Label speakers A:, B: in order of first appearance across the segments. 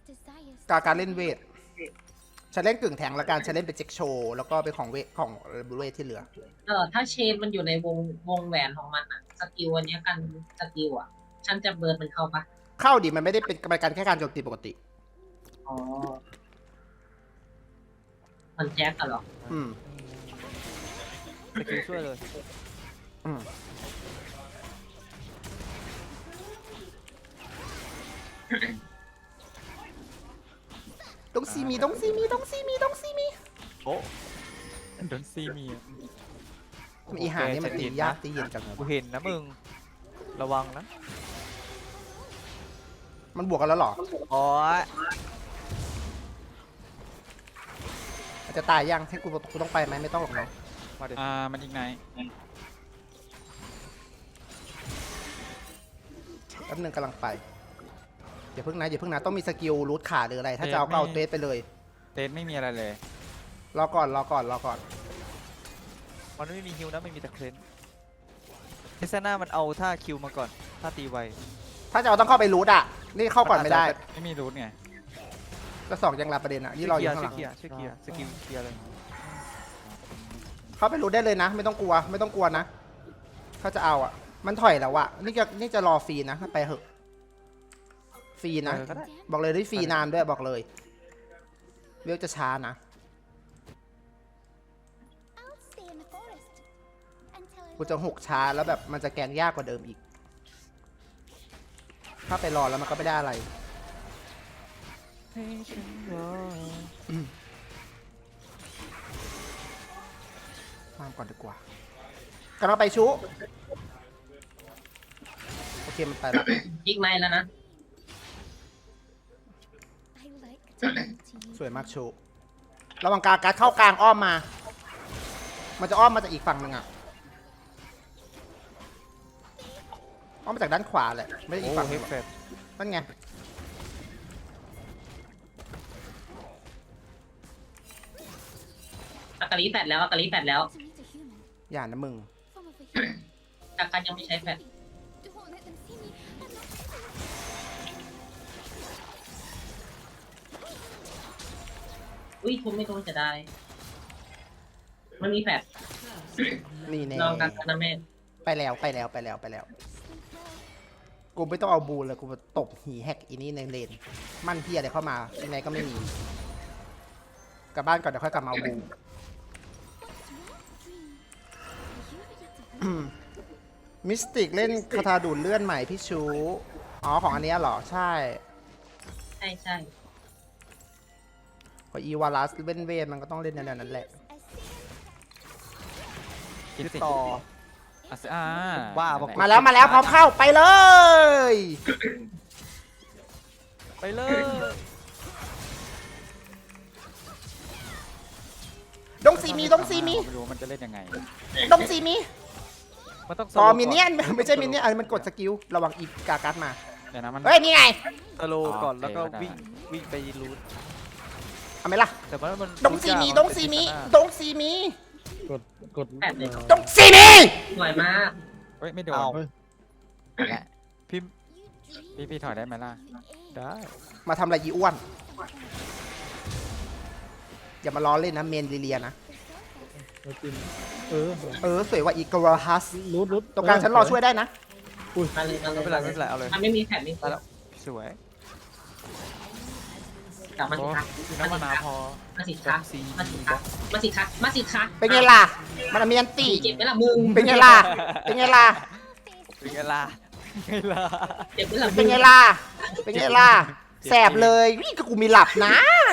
A: การเล่นเวทฉันเล่นกึ่งแทงละกันฉันเล่นเป็นเจ็กโชว์แล้วก็เป็นของเวทของเวทที่เหลือ
B: ถ้าเชนมันอยู่ในวงแหวนของมันอะสกิลอันเนี้ยกันสกิลอะฉันจะเบิร์ดมันเข้าปะ
A: เข้าดิมันไม่ได้เป็นการแค่การโจมตีปกติ
B: อ๋อมันแจ็คกันหรอ
A: อืม
C: สกิลช่วยเลย
A: อืมต้องซีมี
C: โอ้โดนซีมี
A: อีหานี่มันตียากตีเย็นจังเลย
C: กูเห็นนะมึงระวังนะ
A: มันบวกกันแล้วหรอ
C: อ๋อ
A: จะตายยังให้กูต้องไปไหมไม่ต้องหรอกเนาะ
C: มาเดี๋ยวมันยิงไหน
A: แป๊บนึงกำลังไปอย่าเพิ่งนะต้องมีสกิลรูทขาหรืออะไรถ้าจะเอาก็เอาเทสไปเลย
C: เตนไม่มีอะไรเลย
A: รอก่อน
C: มันไม่มีฮิวนะไม่มีแต่เคลนเทสนามันเอาท่าคิวมาก่อนท่าตีไว
A: ถ้าจะเอาต้องเข้าไปรูทอ่ะนี่เข้าก่อนไม่ได้
C: ไม่มีรูทไง
A: ก็สองยังรับประเด็นอ่ะนี่รออยู่ข้างหลัง
C: ช่วยเคลียร์สกิลเคลียร์เลย
A: เข้าไปรูทได้เลยนะไม่ต้องกลัวนะถ้าจะเอาอ่ะมันถอยแล้วอ่ะนี่จะรอฟรีนะไปเหอะฟรีนะบอกเลยได้ฟรีนานด้วยบอกเลยเวลจะช้านะกูจะหกช้าแล้วแบบมันจะแกงยากกว่าเดิมอีกถ้าไปรอแล้วมันก็ไม่ได้อะไรตามก่อนดีกว่ากำลังไปชุโอเคมันไปแล้ว
B: ยิกไม่แล้วนะ
A: สวยมากชุระวังการ์ดเข้ากลางอ้อมมามันจะอ้อมมาจากอีกฝั่งหนึ่งอ่ะอ้อมมาจากด้านขวาแหละไม่ได้อีกฝั่งนึงนั่นไง
B: อากาลีแฟดแล้ว
A: อย่านะมึง
B: อาการยังไม่ใช้แฟดอุ้ยทุบไม่ต้องจะได้มันมีแฟด
A: นี่แน่
B: ลองกันนะแม่
A: ไปแล้วกูไม่ต้องเอาบูลเลยกูตบหีแฮกอีนี่ในเลนมั่นพี่อะไรเข้ามายังไงก็ไม่มีกลับบ้านก่อนเดี๋ยวค่อยกลับมาเอาบูมิสติกเล่นคาถาดูดเลื่อนใหม่พี่ชูอ๋อของอันนี้เหรอใช่พออีวาลัสเล่นเวทมันก็ต้องเล่นแนวนั้นแหละ
C: คิดต่อ
A: ว่ามาแล้วพร้อมเข้าไปเลยดงซีมี
C: ไม่รู้มันจะเล่นยังไง
A: ดงซีมี
C: มันต้อง
A: ต่อมินเนี่ยนไม่ใช่มินเนี่ยนมันกดสกิลระวังอีกากัสมา
C: เดี๋ยวนะมัน
A: เฮ้ยนี่ไง
C: สโลก่อนแล้วก็วิ่งไปรูท
A: เอาไหมล่ะ
C: แต่ว่ามัน
A: ดงซีมี
D: กด
A: ดงซีมี
B: ดงซีสวยมาก
C: เฮ้ยไม่โดนพี่ถอยได้ไหมล่ะได้
A: มาทำอะไรยีอ้วนอย่ามาล้อเล่นนะเมนลิเลียนะสวยว่าอีกราฮัส
D: รูด
A: ตรงกลางฉันรอช่วยได้นะ
B: มาเลย
C: ไม่เป็นไรเอาเลย
B: ไม่มีแผ่นไม่
C: แล้วสวย
B: กลับมาสิคะ
C: น้ำมะนาวพอ
B: มาสิคะ
A: เป็นไงล่ะมันมีอันตี
B: เจ็บไหมล่ะมึง
A: เป็นไงล่ะ
B: เจ็บไหมล่ะ
A: แสบเลยวิ่งกูมีหลับนะ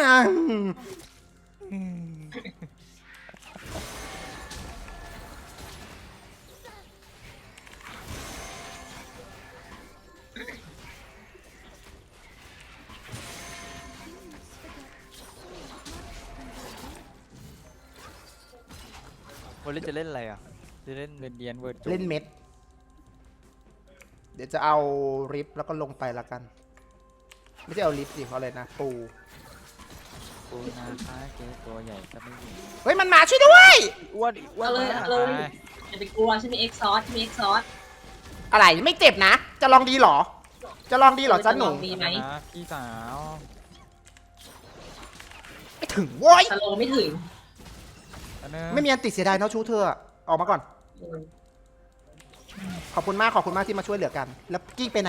C: วันนี้จะเล่นอะไรอ่ะจะเล่นเดียนเวิร์ด
A: เล่นเม็ดเดี๋ยวจะเอาริฟแล้วก็ลงไปละกันไม่ใช่เอาริฟสิเอาเลยนะปู
C: นาคาเจอตัวใหญ่จะไม่ยิง
A: เฮ้ยมันมาช่วยด้วย
C: อ้วน
B: เลยอย่าไปกลัวฉันมีเอ็กซอส
A: อะไรไม่เจ็บนะจะลองดีหรอจ๊ะหนู
B: ดีไหม
C: พี่สาว
A: ไม่ถึงโว้ย
B: สโลว์ไม่ถึง
C: อันนึง
A: ไม่มีอันติเสียดายเนาะชูเธออะออกมาก่อน
B: เออ
A: ขอบคุณมากที่มาช่วยเหลือกัน แล้วกี้ไปไหน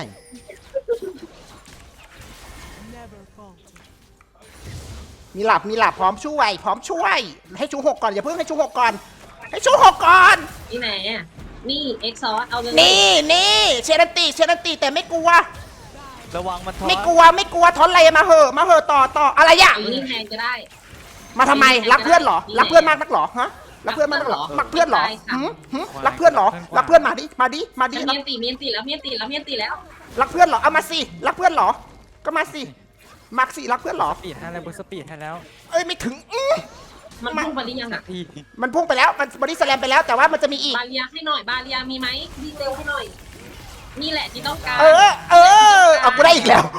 A: มีหลับพร้อมช่วย ให้ชูหกก่อนอย่าเพิ่งให้ชูหกก่อน ให้ชูหกก่อน
B: นี่ไหนอ่ะนี่เอ็กซอสเอาเลย
A: นี่เชนันติแต่ไม่กลัว
C: ระวังมันทอ
A: ไม่กลัวทอนอะไรมาเหอะต่ออะไรอะ
B: เอานี่แทนก็ได้
A: มาทำไมรักเพื่อนเหรอรักเพื่อนมากนักเหรอฮะรักเพื่อนมากนักเหรอรักเพื่อนเหรอหืมรักเพื่อนเหรอรักเพื่อนมาดิ
B: ฉันเมียนตีแล้ว
A: รักเพื่อนเหรอเอามาสิรักเพื่อนเหรอก็มาสิมักสิรักเพื่อนเหรอ
C: สปีดให้แล้วบนสปีดให้แล้ว
A: เอ้ยไม่ถึง
B: มันพุ่งไปหรือยังอ่ะ
C: อีก
A: มันพุ่งไปแล้วมันบอดี้สแลมไปแล้วแต่ว่ามันจะมีอีก
B: บาเรียให้หน่อยบาเรียมีไหมวิ่งเร็วให้หน่อย นี่แหละที่ต้องการ
A: เอากูได้อีกแล้ว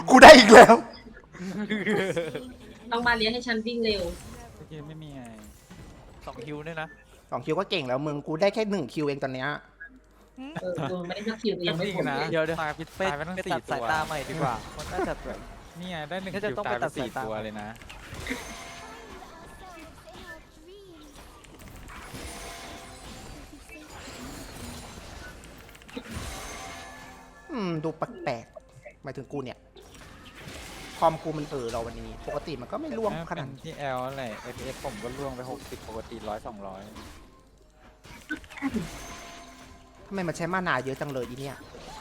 B: ต้องบาเรียให้ฉันวิ่งเร็ว
C: โอเคไม่มีไง2 คิวด้วยนะ
A: 2 คิวก็เก่งแล้วมึงกูได้แค่1 คิวเองตอนเนี้ย
B: กูไม่ได้สักคิวยังไม่
C: จริง
B: ผล
C: นะ
B: เลย
C: เดี๋ยว
D: ตายพิษ
C: ไป
D: ตายไปตั้ง
C: ไป
D: สี่
C: ตัด
D: ตั
C: สายว ตาใหม่ดีกว่ามันน่าจะแบบ
D: นี่ไงได้1
C: น่าจะ
D: คิว
C: ต้อง
D: ตาย
C: ไป
D: ไป
C: ตัดสาย
D: 4
C: ตา
D: ตัวเลยนะ
A: ดูแปลกๆหมายถึงกูเนี่ยคอมกูมันเราวันนี้ปกติมันก็ไม่ร่วงขนาด
D: เป็นที่ L อะไร FPS ผมก็ล่วงไป60ปกติ100 200
A: ทำไมมันใช้มานาเยอะจังเลยอีเนี่ย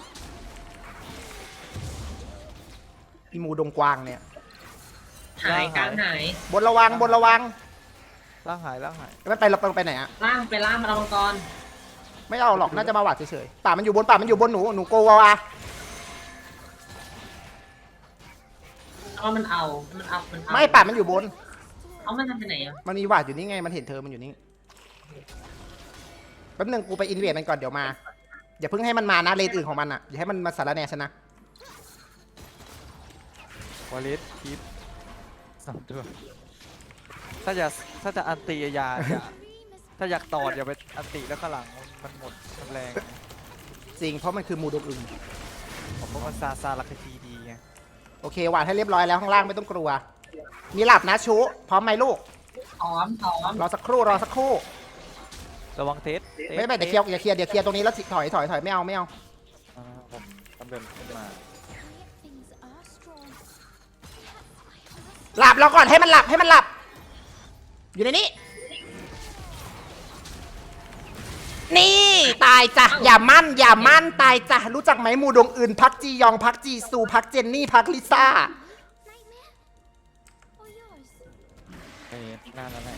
A: อีหมูดงกวางเนี่ย
B: หายกลางหาย
A: บนระวัง
C: ร่างหาย
A: ไม่ไปเราไปไหนอะ
B: ล่างไปล่างมามังกร
A: ไม่เอาหรอกน่าจะมาหวาดเฉยๆป่ามันอยู่บนหนูโกวา
B: เอามันเอา
A: ไม่ป่ามันอยู่บน
B: เอามันทำไปไหนอ่ะ
A: มันมีหวาดอยู่นี่ไงมันเห็นเธอมันอยู่นี่แป๊บนึงกูไปอินเวดมันก่อนเดี๋ยวมาอย่าเพิ่งให้มันมานะเลนอื่นของมันอะอย่าให้มันมาสารแหน่ฉันนะ
D: วอลิสคีป2 ตัว
C: ถ้าจะอันตีอย่าถ้าอยากตอดอย่าไปอันตีแล้วข้างหลังมันหมดมันแรง
A: จริงเพราะมันคือหมูดงอึง
C: ผมว่ามันซาลักทีดีไง
A: โอเคหวาดให้เรียบร้อยแล้วข้างล่างไม่ต้องกลัว มีหลับนะชูพร้อมไหมลูก
B: หอม
A: รอสักครู่
C: ระวังเทส
A: ไม่เดี๋ยวเคลียร์ตรงนี้แล้วถอยไม่เอา
D: ผมต้องเดินขึ้นมา
A: หลับเราก่อนให้มันหลับ อยู่ในนี้ นี่ตายจ้ะอย่ามั่นตายจ้ะรู้จักไหมหมู่ดงอื่นพักจียองพักจีซูพักเจนนี่พักลิซ่า
D: ไปหน้าแล้วแหละ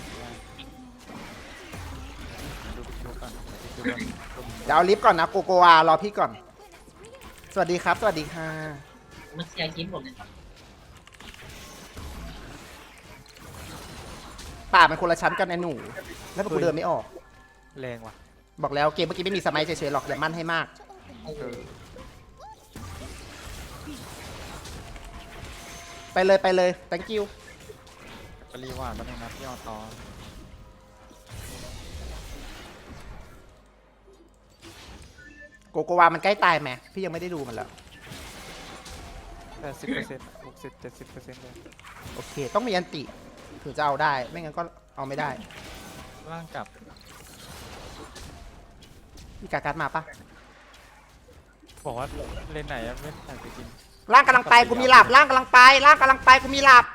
D: ดูพิชุก่อนดูก่อน
A: เดี๋ยวเอาลิฟต์ก่อนนะโกโกวารอพี่ก่อน สวัสดีค่ะ
B: มันเคลียร์คลิปหมดเลย
A: ป่ามันคนละชั้นกันไอ้หนู แล้วกูเดินไม่ออก
C: แรงว่ะ
A: บอกแล้วเกมเมื่อกี้ไม่มีสมัยเฉยๆหรอกอย่ามั่นให้มาก ไปเลย thank you
D: ไปรีวาร์ดมาหนึ่งนะพี่ออตอ
A: โกโกวามันใกล้ตายไหมพี่ยังไม่ได้ดูมันแล้ว
C: 80% 60-70%เลย
A: โอเค ต้องมีอันติถึงจะเอาได้ ไม่งั้นก็เอาไม่ได้
D: ร่างกลับ
A: มีกาการ์ดมาปะ
D: บอกว่าเลนไหนอะไม่ใส่ไปกิน
A: ร่างกำลังไปกูมีหลับร่างกำลังไปกูมีหลับ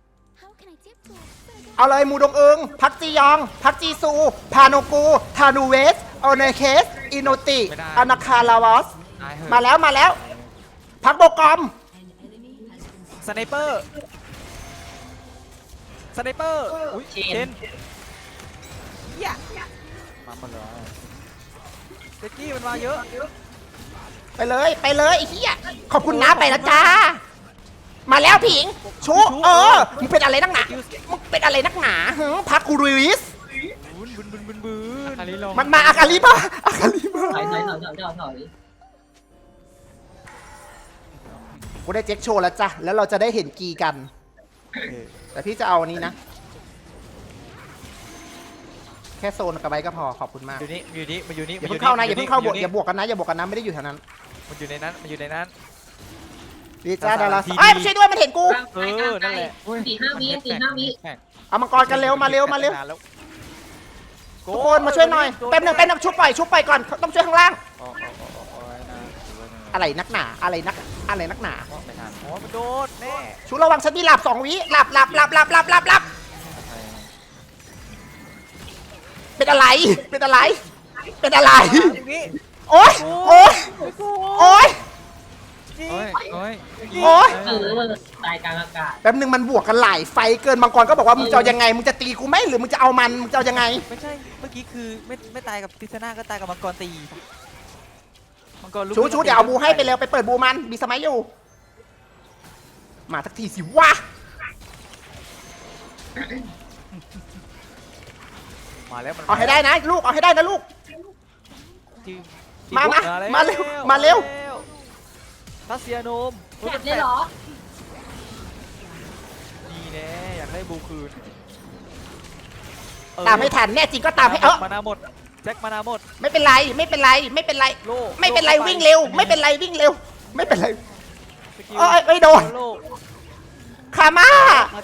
A: เอาเลยมูดงเอิงพักจียอง พักจีซู พาโนกูทานูเวสโอเนเคสอิโนติอนาคาลาวอส
D: ตายเหอะ
A: มาแล้ว พักโบกอม
C: สไนเปอร์อุ้ยเชน
D: มาหมดแล้ว
C: เจกกี้มันมาเยอะ
A: ไปเลยไอ้เหี้ยขอบคุณนะไปแล้วจ้า มาแล้วผิงชูมึงเป็นอะไรนักหนาพักกูริส
C: บึน
D: อาริลง
A: มันมาอาคาลิป่ะ
B: ถอย
A: กูได้เจ็คโชว์แล้วจ้ะแล้วเราจะได้เห็นกีกัน แต่พี่จะเอาอันนี้นะ แค่โซนกับไว้ก็พอขอบคุณมาก
C: อยู่นี่
A: อย่าเพิ่งเข้านะอย่าเพิ่งเข้าบวกอย่าบวกกันนะไม่ได้อยู่แถวนั้น
C: มันอยู่ในนั้น
A: ดีจ้าดารา
C: ที
A: ไอ้ยไม่ใช่ด้วยมันเห็นกู
B: 4-5 วิ
D: แข่ง
A: เอามังกรกันเร็วมาเร็วมาเร็ว
C: นนแล้
A: ทุกคนมาช่วยหน่อยแป๊บหนึงชุบปล่อยก่อนต้องช่วยข้างล่าง
D: โอ้ยนะถือว่า
A: อะไรนักหนาอะไรนักหนา
D: ไม่ทัน
C: อ๋อมันโดนแน่
A: ชูระวังฉันมีหลับ2 วิหลับเป็นอะไร
C: อย่างนี้
A: โอ๊ย
C: โอ้ย
D: โอ้ย
A: โอ๊ย
B: ตายกลางอากาศ
A: แป๊บนึงมันบวกกันหลายไฟเกินมังกรก็บอกว่ามึงจะเอายังไงมึงจะตีกูไหมหรือมึงจะเอามันมึงจะเอายังไง
C: ไม่ใช่เมื่อกี้คือไม่ตายกับทิศนาก็ตายกับมังกรตีมังกรลุก
A: ชูเดี๋ยวเอาบูให้ไปเร็วไปเปิดบูมันมีสมัยอยู่มาสักทีสิวะ
C: มาแล้วมัน
A: เอาให้ได้นะลูกเอาให้ได้นะลูก
C: ที่
A: มาเร็ว
C: ทัสเซียโนม
B: แถบเลยเหรอ
C: นี่แน่อยากได้บูคืน
A: ตามไม่ทันแน่จริงก็ตามให้
C: มานาหมดแจ็คมานาหมด
A: ไม่เป็นไร
C: โล่
A: ไม่เป็นไรวิ่งเร็วไม่เป็นไรเอ้ยไม่โดน
C: โล่
A: คาม่า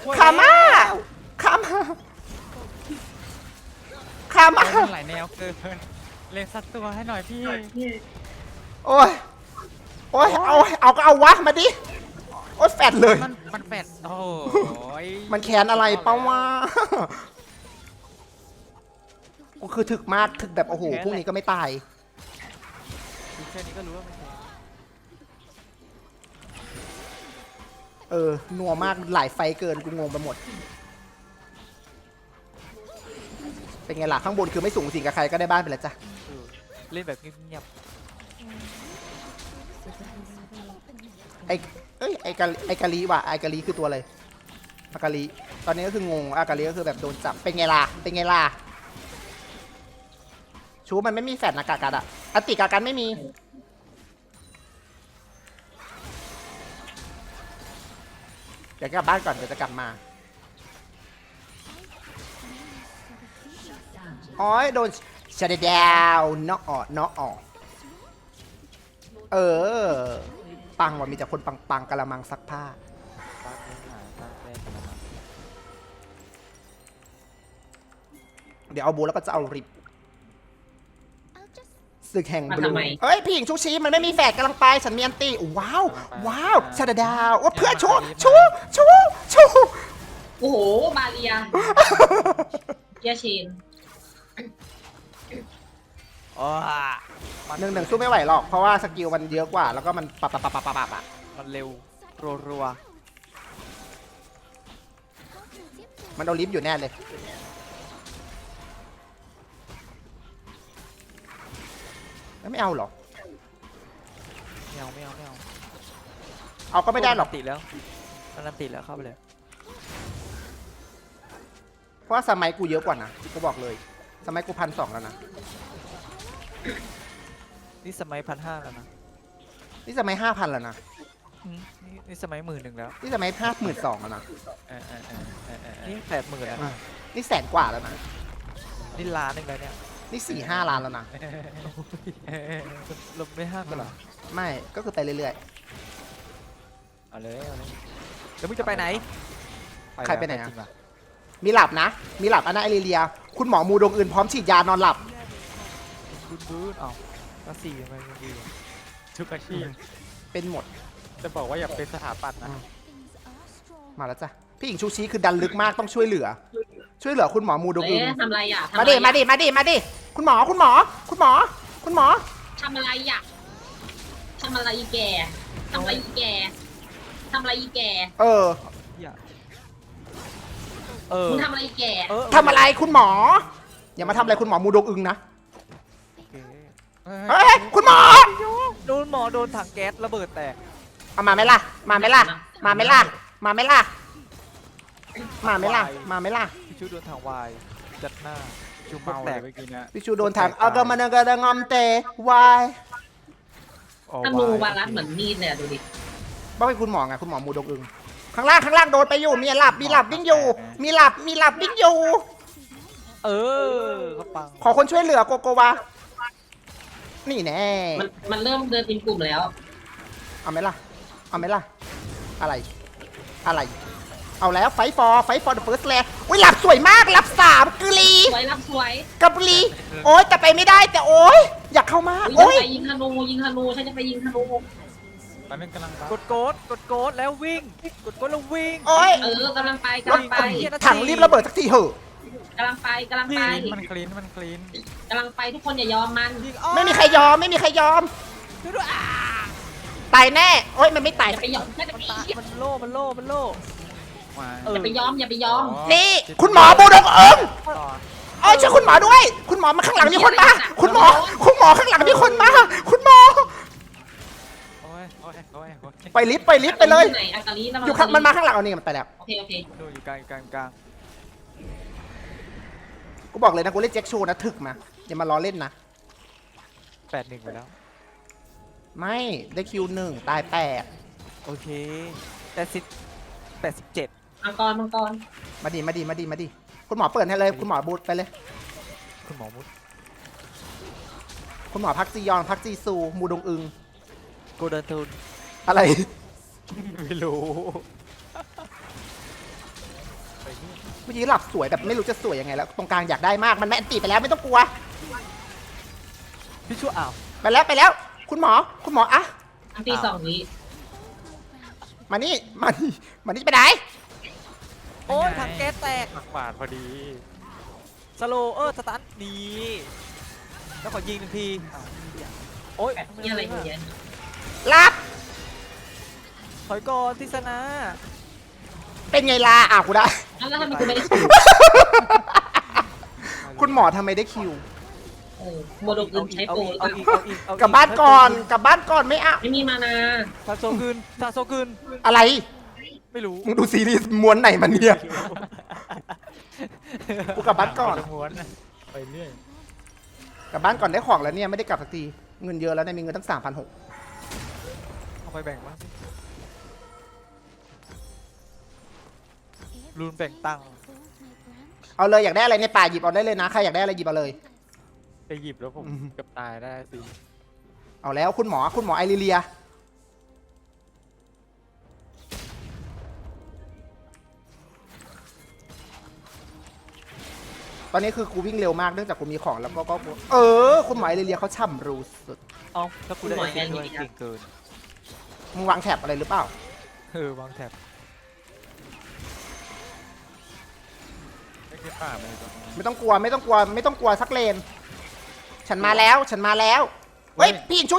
D: มันหลายแนวเกินเล่นสักตัวให้หน่อยพี่
A: โอ้ยเอาก็เอาวะมาดิโอ้ยแฟดเลย
D: มันแปดโอ้ย
A: มันแค้นอะไรเป้าวะกูคือถึกมากถึกแบบโอ้โหพวกนี้ก็ไม่ตาย
C: ดูแค่นี้ก็รู้ว่ามันแพ้
A: นัวมากหลายไฟเกินกูงงไปหมดเป็นไงล่ะข้างบนคือไม่สูงสิงกับใครก็ได้บ้านไปแล้วจ้ะ
C: เล่นแบบเงียบ
A: ไอกาลีว่ะไอกาลีคือตัวอะไรอากาลีตอนนี้ก็คืองงอากาลีก็คือแบบโดนจับเป็นไงล่ะชูมันไม่มีแฟดนะกากัดอะอันติกากันไม่มีเดี๋ยวกลับบ้านก่อนเดี๋ยวจะกลับมาอ๋อโดนชัดดาวน็อกออกปังว่ะมีแต่คนปังกะละมังซักผ้า
C: ๆตาเล่นหาตาแรกกันมา
A: เดี๋ยวเอาบูแล้วก็จะเอาริบศึกแห่งบลูเอ้ยพี่หญิงชุกชีมันไม่มีแฝดกำลังไปฉันมีอันตีว้าวชาดาดาวว่าเพื่อนชู
B: โอ้โหบาเรียเกียร์เชน
C: อ๋อ
A: หนึ่งสู้ไม่ไหวหรอกเพราะว่าสกิลมันเยอะกว่าแล้วก็มันปับอะ
C: มันเร็วรัว
A: มันเอาลิฟต์อยู่แน่เลยไม่เอาหรอ
C: ๆไม่เอา
A: เอาก็ไม่ได้หรอก
C: ติดแล้วมันติดแล้วเข้าไปเลย
A: เพราะว่าสมัยกูเยอะกว่านะกูบอกเลยสมัยกู1,200แล้วนะ
C: นี่สมัย1,500แล้วนะ
A: นี่สมัย5,000แล้วนะ
C: นี่สมัย10,000แล้ว
A: นี่สมัย52,000แล้วนะ
C: นี่80,000แล้ว
A: นี่แสนกว่าแล้วนะ
C: นี่ล้านหนึงแล้วเนี่ย
A: นี่4-5 ล้านแล้วนะ
C: ลบไม่ห้ามกันเหรอ
A: ไม่ก็คือไปเรื่อย
C: เอาเลยเดี๋ยวมึงจะไปไหน
A: ใครไปไหนอะ
C: จงว่
A: ๆมีหลับนะมีหลับอันนาเอลิเลียคุณหมอมูดงอื่นพร้อมฉีดยานอนหลับ
C: บูดเอาก็4ทำไมมันดีวะ
D: ทุกอาชีพ
A: เป็นหมด
D: จะบอกว่าอย่าเป็นสถาปัตย์นะ
A: มาแล้วจ้ะพี่หญิงชูชีคือดันลึกมากต้องช่วยเหลือคุณหมอมูดงอื่น
B: ทำอะไรอ่ะ
A: มาดิคุณหมอ
B: ทำอะไรอ่ะทำอะไรอีแกทำอะไรอีแก
C: อย่า
B: มึงทำอะไรอีแก
A: ทำอะไรคุณหมออย่ามาทำอะไรคุณหมอมูดงอึงนะ
C: โอเค
A: เฮ้ยคุณหมอ
C: โดนหมอโดนถังแก๊สระเบิดแตก
A: เอามาไหมล่ะ
C: พี่ชูโดนถังวายจัดหน้าชู
D: เมา
C: แต
D: เลย
C: ก
D: เมื่อกี้เนี่ย
A: พี่ชูโดนทางเอากระมันกระงอมเตวาย
B: ธนูวารัสเหมือนมีดเลยอะดูดิ
A: บ้าเป็นคุณหมอไงคุณหมอมูดงอึงข้างล่างโดนไปอยู่มีหลับวิ่งอยู่มีหลับวิ่งอยู่
C: เขาปัง
A: ขอคนช่วยเหลือโกโกวานี่แน่
B: มันเริ่มเดินเป็นกลุ่มแล้ว
A: เอาไหมล่ะอะไรเอาแล้วไฟฟอร์เดอะเฟิร์สแลนอุ้ยหลับสวยมากหลับ3กุลี
B: สวยรับสวย
A: กับกุลีโอ๊ยแต่ไปไม่ได้แต่โอ๊ยอยากเข้ามาก
B: อุ้ย
A: โอ๊ย
B: ไปยิงธนูฉันจะไปยิงธนู
D: ตอนนี้กำลังบัฟ
C: กดโกดแล้ววิ่งกดโกดแล้ววิ่ง
A: โอ๊ย
B: กำลังไป
A: รถถังรีบระเบิดสักทีเหอะ
B: กำลังไป
D: มันคลีน
B: กำลังไปทุกคนอย่ายอมมัน
C: ยิงอ้อ
A: ไม่มีใครยอม
C: ช่วยด้วยอ่า
A: ตายแน่โอ๊ยมันไม่ตาย
B: อย่าไปยอมอย่าไป
C: มันโล่
D: มา
C: เออ
B: ยอมอย่าไปยอม
A: นี่คุณหมอบูดงเอิง
D: ต่อ
A: โอ้ยช่วยคุณหมอด้วย คุณหมอมาข้างหลังมีคนมาคุณหมอข้างหลังมีคนมาคุณหมอ
D: โอ้ย
A: ไปลิฟต์ไปเลย
B: ไหนอากาลี
A: อยู่ข้างมันมาข้างหลังเอานี่มันไปแล้ว
B: โอเค
C: ดูอยู่กลาง
A: กูบอกเลยนะกูเล่นแจ็คโชว์นะถึกมาอย่ามาล้อเล่นนะ
C: 8-1ไปแล้ว
A: ไม่ได้คิว1ตาย8
C: โอเค87
B: มังกร
A: มาดิคุณหมอเปิดให้เลยคุณหมอบูทไปเลย
C: คุณหมอมุด
A: คุณหมอพักจียอนพักจีซูมูดงอึง
C: โกลเด้นทูน
A: อะไร
C: ไม่รู้
A: เมื่อกี้หลับสวยแบบไม่รู้จะสวยยังไงแล้วตรงกลางอยากได้มากมันแม่นตีไปแล้วไม่ต้องกลัว
C: พี่ชั่วอ้าว
A: ไปแล้วคุณหมออะ
B: อันตี2 วิ
A: มานี่ไปไหน
C: โอ้ยถังแก๊สแตก
D: หมักบาดพอดี
C: สโลสตันนี่แล้วขอยิง1 ทีโอ้ย
B: นี่อะไรอยู่เนี่ย
A: รับ
C: ถอยก่อนทิศนา
A: เป็นไงล่ะกูได้
B: แล้วทำไมคุณไม่ได้คิว
A: คุณหมอทำไมได้คิว
B: โมโดกุนใช้โปร
C: เอาอีก
A: กลับบ้านก่อนไม่เอา
B: ไม่มีมานา
C: ซาโซคืน
A: อะไร
C: ไม่รู้
A: มึงดูซีรีส์ม้วนไหนมันเนี่ย กูกลับบ้านก่อน
D: ม้วนนะไปเรื่อย
A: กลับบ้านก่อนได้ของแล้วเนี่ยไม่ได้กลับสักทีเงินเยอะแล้วเนี่ยมีเงินตั้ง 3,600
C: เอาไปแบ่งบ้างสิรูนแบ่งตังค์
A: เอาเลยอยากได้อะไรในป่าหยิบเอาได้เลยนะใครอยากได้อะไรหยิบเอาเลย
D: ไปหยิบแล้วผมเกับตายได้สิ
A: เอาแล้วคุณหมอไอริเลียตอนนี้คือกูวิ่งเร็วมากเนื่องจากกูมีของแล้วก็คุณหมอไอริเลียเขาช่ำรู้สุด
C: เอาถ้ากูได้เอซิด้วยเก่งเกิน
A: มึงวางแถบอะไรหรือเปล่า
C: วางแถบ
D: ไม่ใช่ป่ามันอยู่ตรงนี้
A: ไม่ต้องกลัวสักเลน ฉันมาแล้วเฮ้ยพี่หญิงชู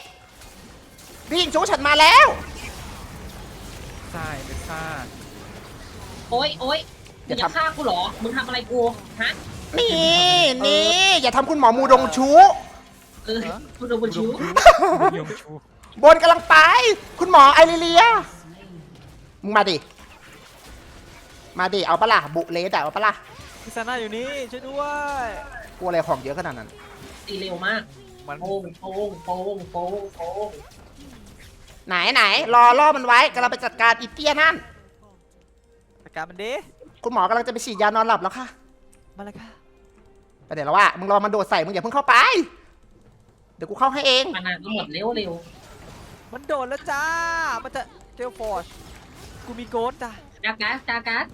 A: ฉันมาแล้ว
D: ทรายเป็นซ่า
B: โอ๊ยอย่าฆ่ากูหรอมึงทำอะไรกูฮะ
A: นี่อย่าทำคุณหมอมูดงชู
B: คุณโดนชิว
D: ยงชู
A: บนกำลังไป คุณหมอไอริเลียมึงมาดิเอาปะล่ะบุเลสเอาปะล่ะ
C: ทิศนาอยู่นี่ช่วยด้วย
A: กลัวอะไรของเยอะขนาดนั้น
B: ตีเร็วมาก
C: มัน
B: โป้ง
A: ไหนล่อมันไว้กำลังไปจัดการอีเตี้ยนั่น
C: จัดการมันดิ
A: คุณหมอกำลังจะไปฉีดยานอนหลับแล้วค่ะ
C: มาเลยค่ะ
A: ไปเดี๋ยวแล้วว่ามึงรอมันโดดใส่มึงอย่าเพิ่งเข้าไป เดี๋ยวกูเข้าให้เอง
B: มานาก็หมดเร็ว
C: มันโดนแล้วจ้ามันจะเจลฟอร์ชกูมีโกดจ้ะ
B: จากาส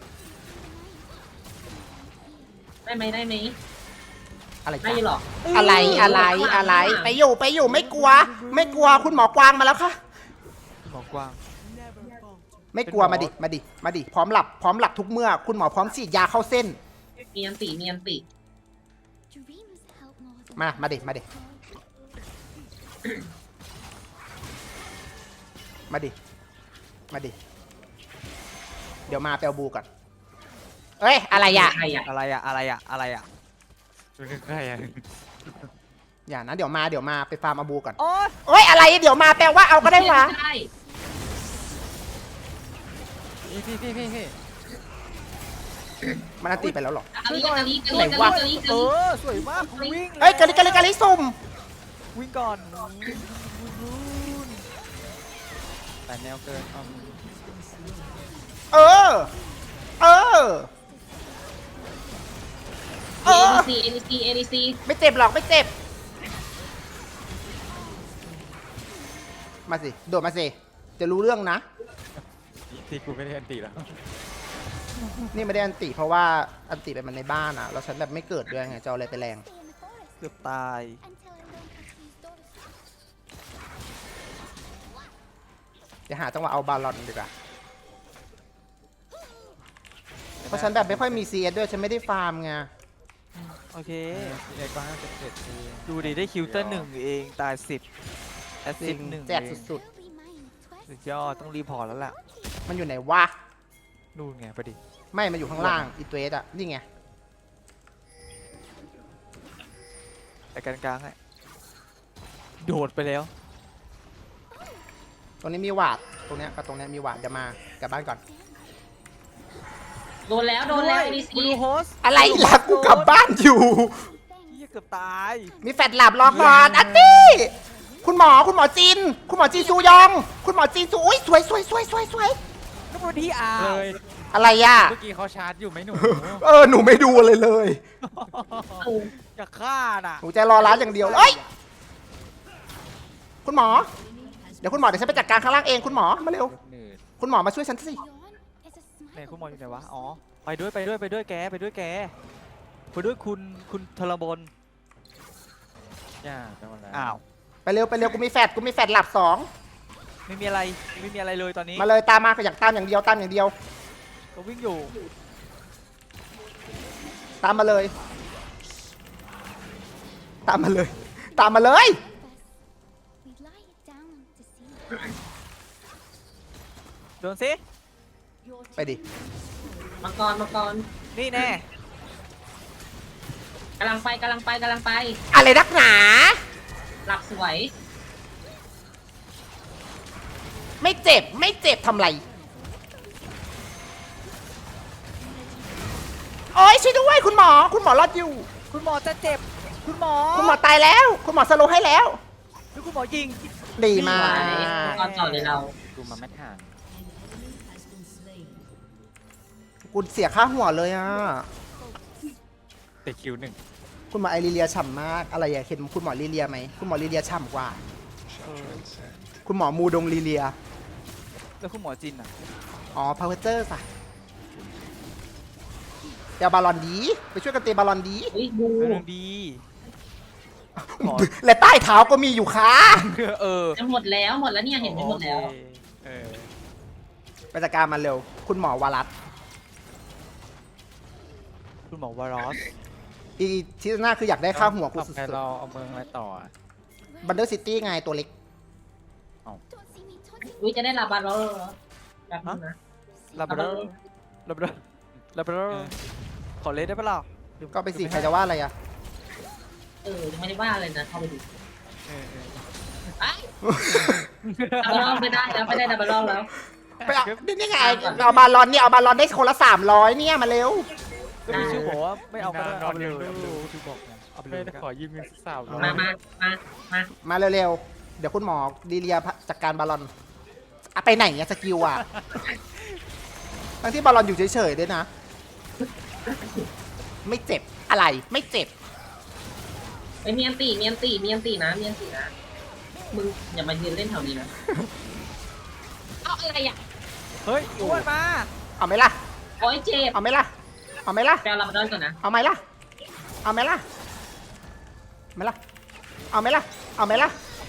B: ได้ไหม
A: อะไร
B: ได้
A: จ๊ะ
B: หรอ
A: อะไรไปอยู่ไม่กลัวคุณหมอกวางมาแล้วค่ะ
C: หมอกวาง
A: ไม่กลัวมาดิพร้อมหลับทุกเมื่อ คุณหมอพร้อมฉีดยาเข้าเส้น
B: มีอันติ
A: มาดิเดี๋ยวมาแปลบูก่อนเอ้ยอะไรอ่ะ
B: ใครอ่ะ
C: อะไรอะ
D: เป็นใกล้ๆอ่ะ
A: อย่านะเดี๋ยวมาไปฟาร์มอาบูก่อน
C: โอ๊ย
A: เอ้ยอะไรเดี๋ยวมาแปลว่าเอาก็ได้วะ
B: ได้
D: พี่
A: มันอันตีไปแล้วหรอ
B: กะลี
C: สวยมากวิ่ง
A: เอ้ยกะลิสุ่ม
C: วิ่งก่อน
D: แต่แนวเกิน
A: เออ
B: ADC
A: ไม่เจ็บหรอกไม่เจ็บ มาสิโดดมาสิจะรู้เรื่องนะ
D: ที่กูไม่ได้อันตีแล้ว
A: นี่ไม่ได้อันติเพราะว่าอันติเป็นมันในบ้านอ่ะแล้วฉันแบบไม่เกิดด้วยไงจะเอาอะไรไปแรง
C: เกือบตาย
A: เดี๋ยวหาจังหวะเอาบาลอนดีกว่าเพราะฉันแบบไม่ค่อยมี CS ด้วยฉันไม่ได้ฟาร์มไง
C: โอเค
D: เอกก็57ที
C: ดูดิได้คิวเตอร์1เองตาย10แอสซิสต์1
A: แจกสุด
C: สุดยอดต้องรีพอร์ตแล้วล่ะ
A: ๆ มันอยู่ไหนวะ
C: นู่นไงพอดี
A: ไม่มันอยู่ข้างล่างอีตัวเอสอ่ะนี่ไง
C: แต่กลางๆไงโดดไปแล้ว
A: ตรงนี้มีหวาดตรงเนี้ยกับตรงเนี้ยมีหวาดเดี๋ยวมากลับบ้านก่อน
B: โดนแล้วมี
C: บลู
B: ซี
C: โฮส
A: อะไรล่ะกูกลับบ้านอยู่
C: เหี้ยเกือบตาย
A: มีแฟดหลับรอก่อนอันนี้คุณหมอจีนซูยอง คุณหมอจีนซูอุ้ยสวย
C: นึกว่าที่อ่า
D: เล
C: วย
A: อะไรอ่ะ
D: เมื่อกี้เขาชาร์จอยู่ไหมหนู
A: หนูไม่ดูอะไรเลย
C: จะฆ่าน่ะ
A: หนูจะรอร้านอย่างเดียวเอ้ยคุณหมอ เดี๋ยวคุณหมอเดี๋ยวฉันไปจัดการข้างล่างเองคุณหมอมาเร็ว
D: เหนื่อย
A: คุณหมอมาช่วยฉันสิ
C: ไหนคุณหมออยู่ไหนวะอ๋อไปด้วยแกไปด้วยคุณธรบล
D: ย่าไปหมดแล้ว
C: อ้าว
A: ไปเร็วกูมีแฟดหลับสอง
C: ไม่มีอะไรเลยตอนนี้
A: มาเลยตามมาอยากตามอย่างเดียว
C: ก็วิ่งอยู่
A: ตามมาเลย
C: โดนสิ
A: ไปดิ
B: มังกร
C: นี่แน่
B: กำลังไป
A: อะไรนักหนา
B: หลับสวย
A: ไม่เจ็บทำไรโอ้ยช่วยด้วยคุณหมอรอดอยู่
C: คุณหมอจะเจ็บคุณหมอ
A: คุณหมอตายแล้ว คุณหมอสโลว์ให้แล้ว
C: หรือคุณหมอยิง
A: ดีมา
B: ส
A: ก
B: วยมังกรต่อเลยเรา
D: ดูมาไม่ทัน
A: กูเสียค่าหัวเลยอ่ะ
D: แต่คิวหนึ่ง
A: คุณหมอไอริเลียฉ่ำมาก อะไรอย่าเห็นคุณหมอลิเลียไหมคุณหมอลิเลียฉ่ำกว่า คุณหมอมูดงลิเลีย
C: แล้วคุณหมอจินอ่ะ
A: อ๋อพาวเวอร์สะเดี๋ยวบาลอนดี ไปช่วยกันเตะบาลอนดี
B: อุ้ยบู
C: เรื่องดี หมอ
A: และใต้เท้าก็มีอยู่ค่ะ
B: จะหมดแล้วเนี่ยเห็นหมดแล้ว
C: โอเค
D: เออ
A: ไปจัดการมันเร็ว คุณหมอวารัส
C: คุณหมอวารอส
A: อีที่หน้าคืออยากได้ค่าหัวกู
D: ต่อ
A: สุ
D: ไป
A: ด
D: เราเอาเมืองอะไรต่ออะ
A: ๆบันเดอร์ซิตี้ไงตัวเล็ก
B: อุ้ยจะได้ลาบาร์แล้วเหรอแบบนึงนะ
C: ลาบราดอร์ลาบราดอร์ลาบราดอร์ขอเลสได้ปะล่ะ
A: ก็ไปสิใครจะว่าอะไรอ่ะ
B: ยังไม่ได้ว่าเลยนะเข้าไปดู
C: เออ
B: ไอ้ดับเบิลรอบไม่ได้ดับเบิลรอบแล้ว
A: ไปเอานี่ไงเอาบาลอนเนี่ยเอาบาลอนได้คนละ300เนี่ยมาเร็ว
C: ก็มีชื่อบอกว่าไม่เอาไปเลยเอาไปเลยชื่อบอกไงเอาไปเล
D: ไม่
C: ย
D: ได้ขอยืมเงินสักสาว
B: มา
A: มาเร็วๆ เดี๋ยวคุณหมอดีเลียจัดการบาลอนอะไปไหนเนี่ยสกิลอ่ะ ทั้งที่บาลอนอยู่เฉยๆด้วยนะ ไม่เจ็บอะไรไม่เจ็บ
B: ไอ้เมียนตีนะมึงอย่ามายืนเล่นแถวนี้นะเอาอะไรอ่ะ
C: เฮ้ยอ้วนมา
A: เอาไหมล่ะ
B: โอ้ยเจ็บ
A: เอาไหมล่ะ เอาไหมล่ะ
B: แปลลาบาร์ก่อนนะ
A: เอาไหมล่ะ เอาไหมล่ะไม่ล่ะ เอาไหมล่ะ เอาไหมล่ะ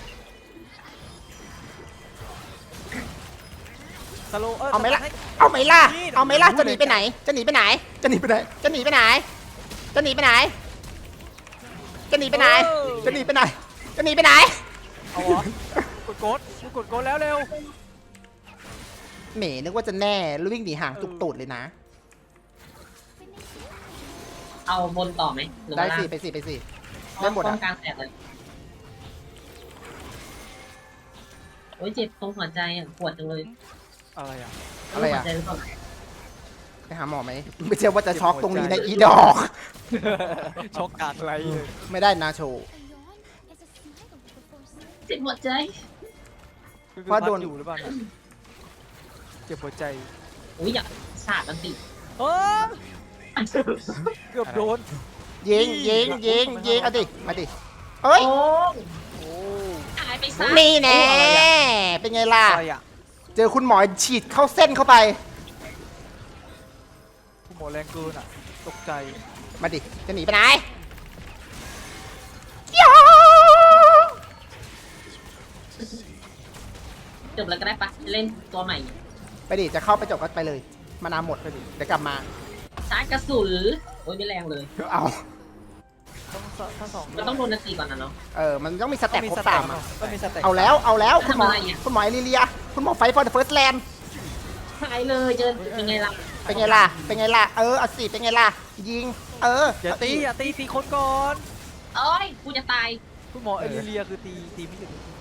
C: สโล
A: เอาไหมล่ะ เอาไหมล่ะ เอาไหมล่ะ จะหนีไปไหน จะหนีไปไหน จะหนีไปไหน จะหนีไปไหน จะหนีไปไหน จะหนีไปไหน จะหนีไปไหน จะหนีไปไหน
C: เอาเหรอ กดโกดแล้วเร็ว
A: เหม่นึกว่าจะแน่แล้ววิ่งหนีห่างจุกตูดเลยนะ
B: เอาบนต่อไหมหรือ
A: ได้
B: ว่า
A: สิ ไปสิ ไปสิ ได้หมด
B: ป้
A: อ่ะ
B: องกลางแตกเลยโอ้ยเจ็บตรงหัวใจอ่ะปวดจังเลย
C: อะไรอ่ะ
A: อะไรอ่ะ
B: หัวใจหรือเปล่า
A: ไปหาหมอไหม ไม่ใช่ว่าจะช็อกตรงนี้นะอีดอก
C: ช็อกการอะไรเลย
A: ไม่ได้นะโชว์
B: เจ็บหัวใจ
A: เพราะโดน
C: อยู่หรือเปล่าเนี่ยเจ็บหัวใจ
B: อุ้ยอยากสาดมันติ
C: เออเกือบโดน
A: ยิงเอาดิ มาดิ เอ้ย
B: โอ้
C: โอ้
B: หายไปซะ
A: นี่แน่ เป็นไงล่ะ
C: อะไรอ่ะ
A: เจอคุณหมอฉีดเข้าเส้นเข้าไป
C: คุณหมอแรงเกินอ่ะตกใจ
A: มาดิ จะหนีไปไหนยอ
B: จบแล้วก็ได้ปะเล่นตัวใหม่
A: ไปดิ จะเข้าไปจบก็ไปเลย มานาวหมดไปดิ เดี๋ยวกลับมา
B: ชาร์จกระสุนโอ้ยไม่แรงเลย
A: เอา
C: ทั้งสอง
B: มันต้องโดนนาทีก่อนนะเนาะ
A: มันต้องมีสเต็ปครบสามอะ
C: ก็มีสเต็ป
A: เอาแล้วคุณหมอ
B: ทำอะไรอะ
A: คุณหมอเอลิเลีย คุณหมอไฟฟอร์เดอะเฟิร์สแลนด์
B: หายเลยเจอเป็นไงล่ะ
A: เป็นไงล่ะ เป็นไงล่ะ เอาสิเป็นไงล่ะ ยิง
C: อย่าตีคนก่อน
B: โอ้ยกูจะตาย
C: คุณหมอเอลิเลียคือตีไม่หยุด